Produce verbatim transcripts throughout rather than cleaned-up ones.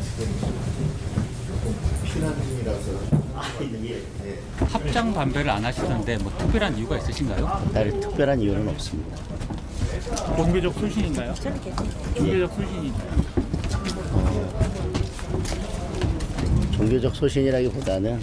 피난 중이라서. 아, 예. 예. 합장 반배를 안 하시던데 뭐 특별한 이유가 있으신가요? 다른 특별한 이유는 없습니다. 종교적 출신인가요? 종교적 출신이 종교적 소신이라기보다는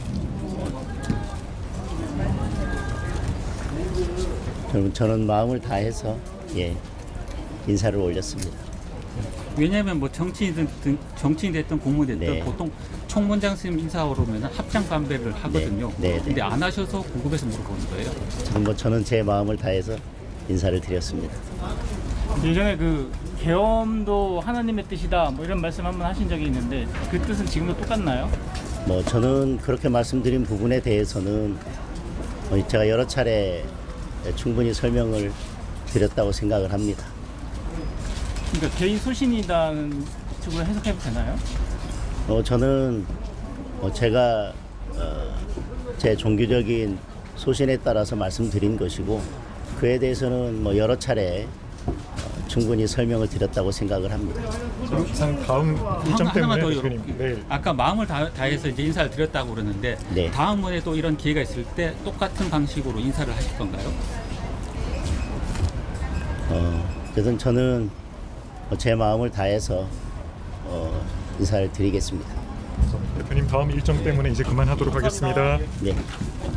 저는, 저는 마음을 다해서 예, 인사를 올렸습니다. 왜냐하면 뭐 정치인든 정치인 됐든 공무원 됐든 네. 보통 총무장 스님 인사 오르면 합장 반배를 하거든요. 네, 네, 근데 네. 안 하셔서 궁금해서 물어보는 거예요. 저는, 뭐 저는 제 마음을 다해서 인사를 드렸습니다. 예전에 그 계엄도 하나님의 뜻이다 뭐 이런 말씀 한번 하신 적이 있는데 그 뜻은 지금도 똑같나요? 뭐 저는 그렇게 말씀드린 부분에 대해서는 어, 제가 여러 차례 충분히 설명을 드렸다고 생각을 합니다. 그러니까 개인 소신이다는 쪽으로 해석해도 되나요? 어, 저는 어, 제가 어, 제 종교적인 소신에 따라서 말씀드린 것이고 그에 대해서는 뭐 여러 차례 어, 충분히 설명을 드렸다고 생각을 합니다. 이상 다음 일정 하나, 하나만 때문에 더 대표님 여쭤볼게요. 내일 아까 마음을 다, 다해서 이제 인사를 드렸다고 그러는데 네. 다음번에 또 이런 기회가 있을 때 똑같은 방식으로 인사를 하실 건가요? 어, 그래서 저는 어, 제 마음을 다해서 어, 인사를 드리겠습니다. 대표님 다음 일정 때문에 이제 그만하도록 하겠습니다. 네.